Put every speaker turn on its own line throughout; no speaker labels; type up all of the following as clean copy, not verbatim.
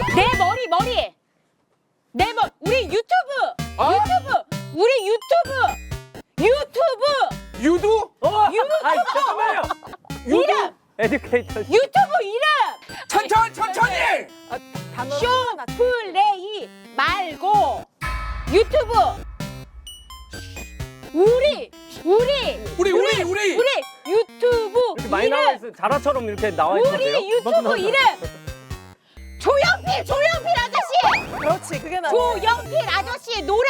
내 머리. 우리 유튜브. 우리 유튜브.
유두?
아이 잠깐만요.
이름.
에듀케이터.
유튜브 이름.
천천히.
쇼플레이 말고 유튜브. 우리 유튜브
이렇게 많이
이름.
나와 있어. 자라처럼 이렇게 나와 있는데요.
우리 유튜브 이름. 조영필 아저씨.
그렇지, 그게 나.
조영필 아저씨 노래.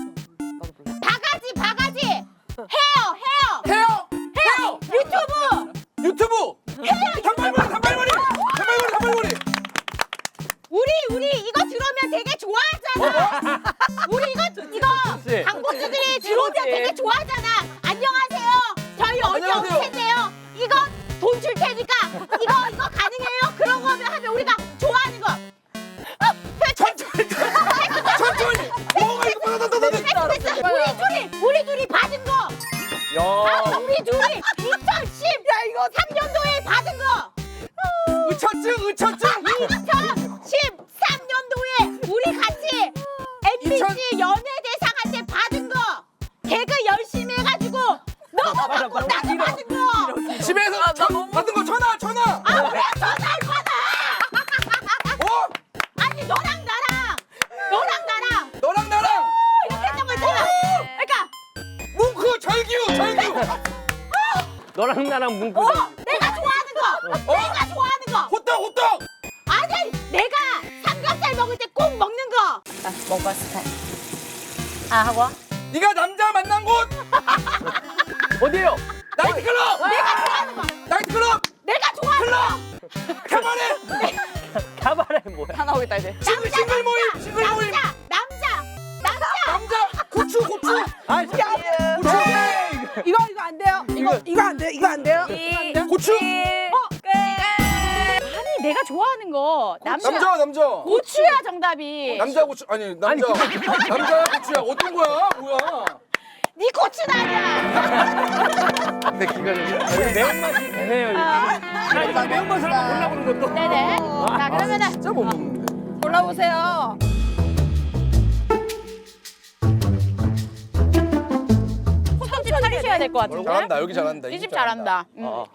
바가지. 헤어. 유튜브.
단발머리.
우리 이거 들어오면 되게 좋아하잖아. 우리 이거
그렇지.
광고주들이 들어오면 되게 좋아하잖아. 안녕하세요. 저희 언니 올
안녕하세요.
텐데요. 이거 돈 줄 테니까 이거 가능해요? 그런 거 하면 우리가 좋아하는 거.
천천히. 뭐가 이거
됐어. 우리 둘이 받은 거.
야.
우리 둘이 2013년도에 받은 거.
의처증.
2013년도에 우리 같이 MBC 연예대상한테 받은 거. 개그 열심히 해가지고 너도 받고 나도 받은 거.
집에서 받은 거 전화.
왜 전화를 받아?
어?
아니 너랑 나랑 이렇게 했던 거 있잖아. 그러니까
뭉크 절규.
너랑 나랑 문구.
내가 좋아하는 거. 내가 좋아하는 거.
호떡.
아니 내가 삼겹살 먹을 때 꼭 먹는 거.
먹방 스타일.
하고?
네가 남자 만난 곳.
어디에요?
나이트클럽.
내가 좋아하는 거.
나이트클럽.
내가 좋아하는 거.
가만해.
가발에 뭐야?
다 나오겠다, 이제.
싱글 모임.
남자.
고추.
아,
이거 안 돼요. 이거 안 돼요.
고추.
아니 내가 좋아하는 거 남자.
남자.
고추야 정답이.
남자 고추 아니 남자. 남자야 고추야. 어떤 거야? 뭐야?
네 고추는 아니야.
내 기가 좀.
매운맛이 되네요. 이거. 이거 매운맛을 한번 골라보는 것도.
네네. 자 그러면은
진짜 못 먹는데.
골라보세요.
손집 차리셔야 될 것 같은데.
잘한다. 여기 잘한다.
이 집 잘한다.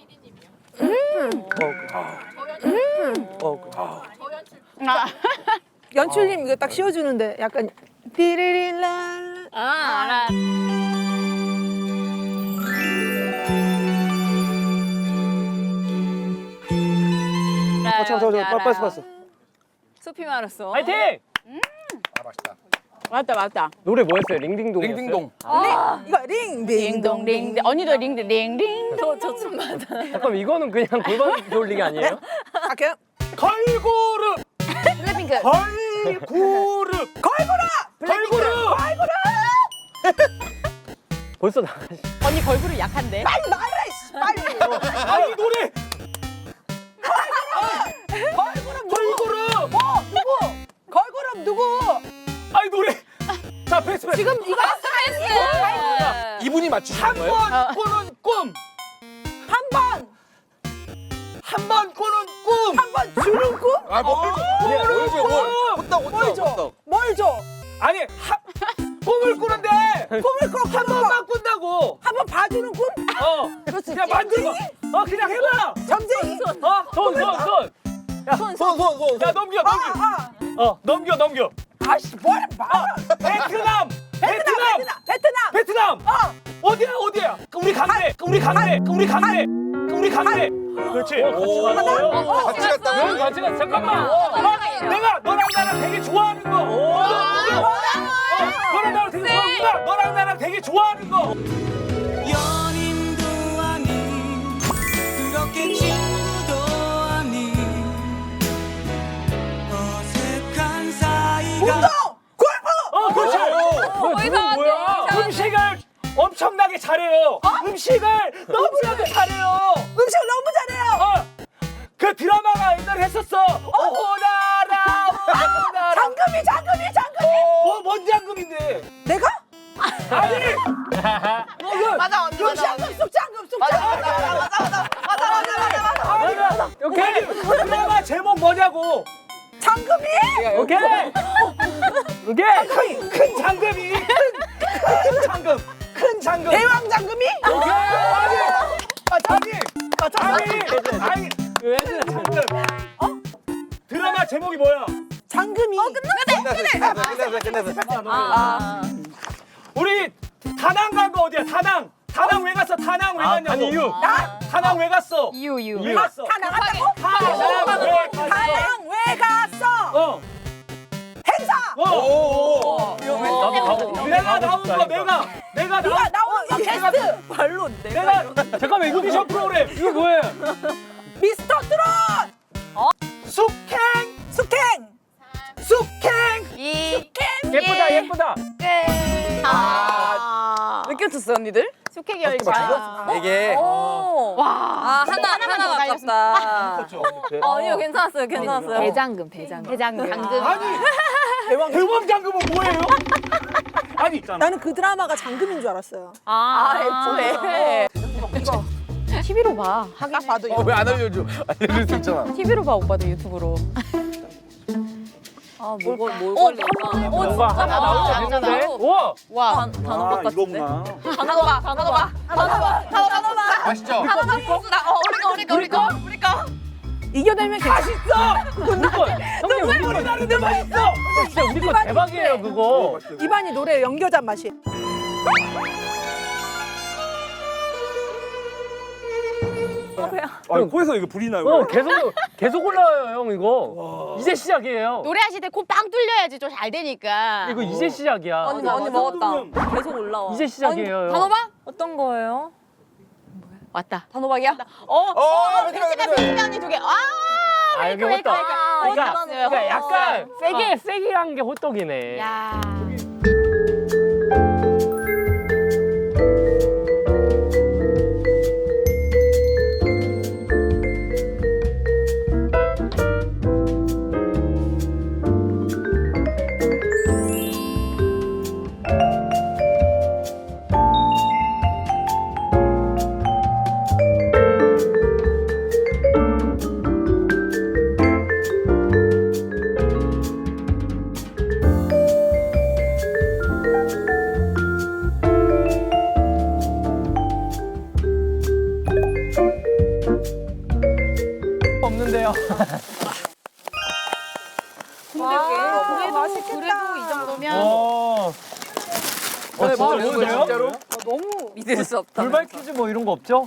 아.
연출님 이거 딱 씌워주는데 약간 띠리릴라.
알아.
빠졌어.
숲이 말았어.
파이팅!
아 맛있다.
맞다.
노래 뭐였어요? 링딩동.
링딩동.
이거 링딩동.
링. 언니도 링.
저좀 받아.
잠깐 이거는 그냥 골반 돌리기 아니에요?
갈게요.
걸그룹.
블랙핑크.
걸그룹. 걸그룹. 벌써 나가시.
언니 걸그룹 약한데.
빨리 말해. 빨리.
아이 노래.
걸그룹 누구? 걸그룹 누구?
아이 노래. 자 패스.
지금 이거
이분이 맞추시는 거예요?
한번 꾸는 꿈.
한
번 꾸는 꿈.
번 주는 꿈?
아 호떡.
뭘 줘?
아니 꿈을 꾸는데
꿈을 꿔.
한 번만 꾼다고.
한번 봐주는 꿈? 그렇지.
그냥 만들고. 그냥 해봐.
점쟁이.
손. 야 넘겨. 넘겨.
아씨 뭘 봐?
베트남.
베트남.
어디야? 우리 갔네. 그렇지.
같이 갔다고?
같이 갔. 잠깐만. 내가 너랑 나랑 되게 좋아하는 거. 너랑 나랑 되게 좋아하는구나. 너랑 나랑 되게 좋아하는 거.
연인도 아닌 그렇게 친구도 아닌 어색한 사이가
운동. 골프.
그렇지. 그건 뭐야? 음식을 엄청나게 잘해요. 음식을 너무나도 잘해요.
음식 너무 잘해요.
그 드라마가 옛날에 했었어. 오나라.
장금이.
뭔 장금인데?
내가?
아니.
맞아 언니. 장금 쑥.
맞아. 오케이. 드라마 제목 뭐냐고.
장금이.
오케이. 오케이. 큰 장금이. 큰 장금. 큰 장금.
대왕 장금이.
오케이. 아니. 왜 장금? 드라마 제목이 뭐야?
장금이.
우리 다낭 간 거 어디야? 다낭. 다낭 왜 갔어? 다낭 왜 갔냐고. 아니 이유. 다낭 왜 갔어?
이유.
왜 갔어?
다낭 갔다고?
다낭 왜 갔어?
다낭 왜 갔어? 행사.
나도 가고. 내가 나온 거 내가
네가 나오는 거 게스트.
발로
내가 잠깐만 이거 오디션 프로그램 이거 뭐예요?
미스터 트롯.
숙행. 예쁘다.
몇 개 쳤어요 언니들?
숙회 열차.
이게
와 하나
더
아깝다. 아니요 괜찮았어요.
대장금.
아니 대왕 장금은 뭐예요? 아니
나는 그 드라마가 장금인 줄 알았어요.
애초에.
TV로 봐.
딱 봐도
왜 안 알려줘? 알려줄 수 있잖아.
TV로 봐 오빠도 유튜브로.
뭘 걸릴까?
뭔가 하나 나올 때 됐는데. 우와.
와.
단호박 같은데? 단호박.
맛있죠?
우리 거.
이겨내면 괜찮아.
맛있어. 형님 우리 거 다른데 맛있어. 진짜 우리 거 대박이에요 그거.
이반이 노래 연겨잔 맛이.
아니 코에서 이거 불이 나요. 계속 올라와요 형 이거. 이제 시작이에요.
노래하실 때 코 빵 뚫려야지 좀 잘 되니까.
이거 이제 시작이야.
언니 먹었다. 계속 올라와.
이제 시작이에요.
단호박? 어떤 거예요?
왔다.
단호박이야?
벤치가 언니 2개.
아 여기 호떡. 그러니까 약간 세게 한 게 호떡이네.
야.
없는데요.
그래도
맛있겠다.
이 정도면
진짜 뭐예요? 진짜로?
너무.
믿을 수 없다.
불발 퀴즈 뭐 이런 거 없죠?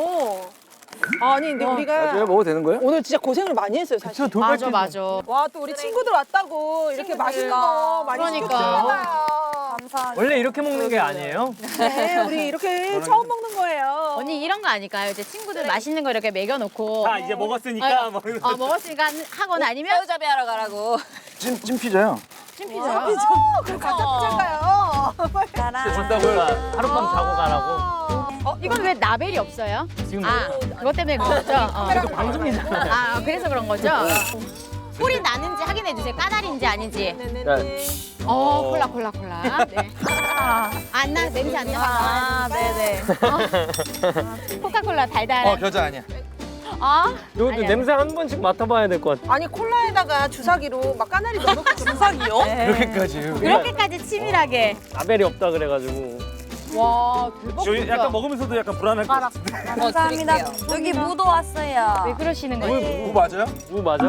아니 근데 우리가
먹어도 되는 거예요?
오늘 진짜 고생을 많이 했어요 사실.
저 돌발 퀴즈.
맞아.
와 또 우리 친구들 왔다고 이렇게 맛있는 거 많이
그러니까.
시켜주잖아요.
원래 이렇게 먹는 게 아니에요?
네, 우리 이렇게 처음 먹는 거예요.
언니 이런 거 아닐까요? 이제 친구들 맛있는 거 이렇게 먹여놓고.
자 이제 먹었으니까 뭐
먹었으니까 하거나 아니면
새우잡이 하러 가라고.
찜 피자요.
찜피자.
그럼 가짜 피자인가요?
준다고요. 하룻밤 자고 가라고.
이건 왜 라벨이 없어요?
지금
그것 때문에 그런 거죠?
계속 방송이잖아요.
그래서 그런 거죠? 소리 나는지 확인해 주세요. 까다리인지 아닌지.
네네네.
콜라. 네. 안 나, 냄새 안 나.
네네.
코카콜라 달달한.
겨자 아니야.
이것도
아니야.
냄새 한 번씩 맡아봐야 될 것 같아.
아니 콜라에다가 주사기로 막 까나리 넣어놓고 주사기요?
그렇게까지.
그렇게까지 치밀하게.
라벨이 없다 그래가지고.
와, 대박.
저희 약간 먹으면서도 약간 불안할 것 같은데.
감사합니다. 여기 무도 왔어요.
왜 그러시는 거지?
무 맞아요?
무 맞아?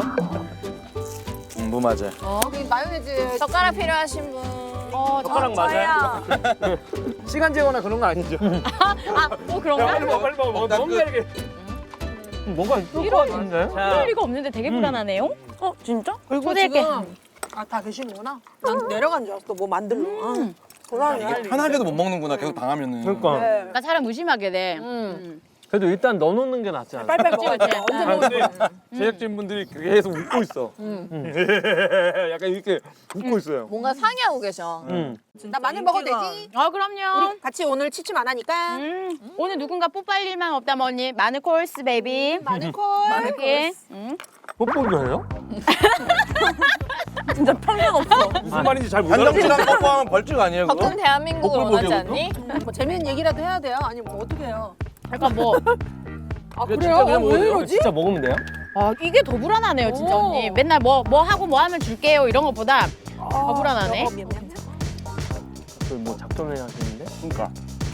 무 맞아요.
여기 마요네즈.
젓가락 필요하신 분.
젓가락 맞아요?
시간 재거나 그런 거 아니죠?
그런가?
빨리 먹어. 너무 잘게. 뭐가 있을 것 같은데?
그럴 리가 없는데 되게 불안하네요.
진짜?
그리고
초대할게.
지금 다 계시는구나. 난 내려간 줄 알았어. 뭐 만들러. 고라니.
편하게도 못 먹는구나. 계속 당하면은.
그러니까.
네.
나 사람 의심하게 돼.
그래도 일단 넣어놓는 게 낫지 않아?
빨빨 먹어.
그치.
언제 먹을 거야?
제작진분들이 계속 웃고 있어. 약간 이렇게 웃고 있어요.
뭔가 상의하고 계셔.
나 마늘 먹어도 되지?
그럼요.
우리 같이 오늘 취침 안 하니까.
오늘 누군가 뽀빨 일만 없다면 언니 마늘 콜스 베이비.
마늘콜.
이렇게.
뽀뽀도 해요?
진짜 평균 없어.
무슨 말인지 잘 못
한정치랑 뽀뽀하면 벌칙 아니에요 그거?
가끔 대한민국을 원하지 않니?
뭐 재밌는 얘기라도 해야 돼요. 아니면 뭐 어떻게 해요?
약간 뭐
아
진짜
그래요?
그냥
왜
먹어도 돼요?
이러지?
진짜 먹으면 돼요?
아 이게 더 불안하네요 진짜 언니. 맨날 뭐 하고 뭐 하면 줄게요 이런 것보다 더 불안하네.
뭐 작전을 하시는데? 그러니까.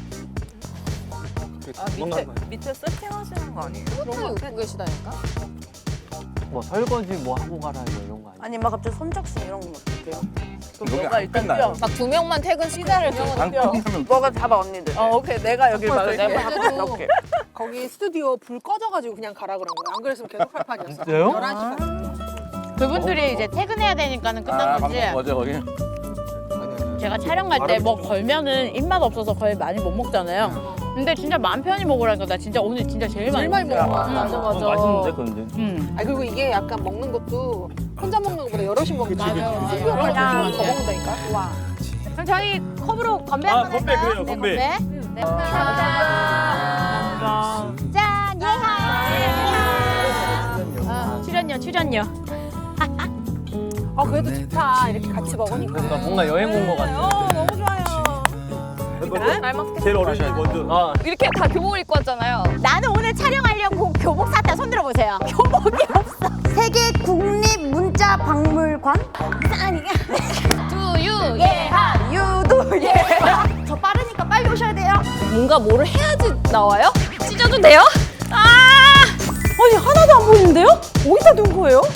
밑에 세팅하시는 거 아니에요? 그런 거 입고 계시다니까?
뭐 설거지 뭐 하고 가라 이런 거 아니야?
아니 막 갑자기 손잡수 이런 건 어떡해요?
여기
너가
안
일단
끝나요.
뛰어.
막 2명만 퇴근 시간을
안 끝나면
너가 잡아 언니들. 오케이 내가 여길 막을게.
내가
이렇게. 거기 스튜디오 불 꺼져가지고 그냥 가라 그런 거야. 안 그랬으면 계속 할 판이었어.
진짜요?
11시간.
그분들이 이제 퇴근해야 되니까는 끝난 거지.
어제 거기.
제가 촬영 갈 때 뭐 걸면은 입맛 없어서 거의 많이 못 먹잖아요. 근데 진짜 마음 편히 먹으라니까 나 진짜 오늘 진짜 제일 많이
많이
먹었어.
먹어.
맞아 맞아.
맛있는데 근데.
아 그리고 이게 약간 먹는 것도 혼자 먹는 것보다 여럿이 먹는 거
맞아요.
스튜디오
맞아요.
가면 더 먹는다니까. 와.
그럼 저희 컵으로 건배
아,
한번
건배
할까요?
그래요,
네,
건배.
네, 감사합니다. 짠, 예하. 출연료.
아 그래도 좋다. 이렇게 같이 먹으니까.
그러니까 뭔가 여행 온 거 같아.
너무 좋아요.
잘 먹겠습니다.
제일 어린이 먼저.
이렇게 다 교복을 입고 왔잖아요.
나는 오늘 촬영하려고 교복 샀다. 손 들어보세요. 교복이 없어.
세계 국립문자박물관
두유
예하.
유도 예하 저 빠르니까 빨리 오셔야 돼요.
뭔가 뭐를 해야지 나와요? 찢어도 돼요?
아니 하나도 안 보이는데요? 어디다 둔 거예요?